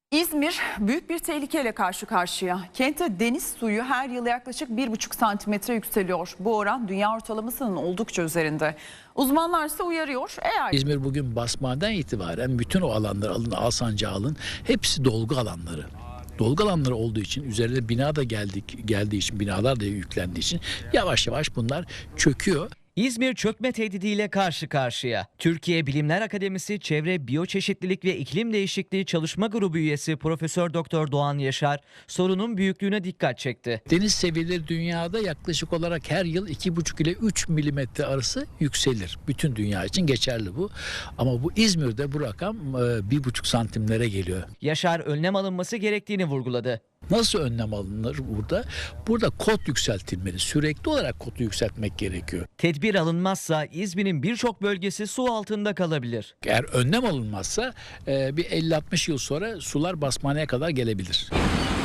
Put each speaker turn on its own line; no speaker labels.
İzmir büyük bir tehlikeyle karşı karşıya. Kentte deniz suyu her yıl yaklaşık 1,5 santimetre yükseliyor. Bu oran dünya ortalamasının oldukça üzerinde. Uzmanlar ise uyarıyor.
İzmir bugün basmadan itibaren bütün o alanlar alın, Alsancak'ı alın, hepsi dolgu alanları. Dolgu alanları olduğu için üzerine bina da geldiği için, binalar da yüklendiği için yavaş yavaş bunlar çöküyor.
İzmir çökme tehdidiyle karşı karşıya. Türkiye Bilimler Akademisi Çevre, Biyoçeşitlilik ve İklim Değişikliği Çalışma Grubu üyesi Profesör Doktor Doğan Yaşar sorunun büyüklüğüne dikkat çekti.
Deniz seviyeleri dünyada yaklaşık olarak her yıl 2,5 ile 3 milimetre arası yükselir. Bütün dünya için geçerli bu. Ama bu İzmir'de bu rakam 1,5 santimlere geliyor.
Yaşar önlem alınması gerektiğini vurguladı.
Nasıl önlem alınır burada? Burada kot yükseltilmeli. Sürekli olarak kotu yükseltmek gerekiyor.
Tedbir alınmazsa İzmir'in birçok bölgesi su altında kalabilir.
Eğer önlem alınmazsa bir 50-60 yıl sonra sular basmaneye kadar gelebilir.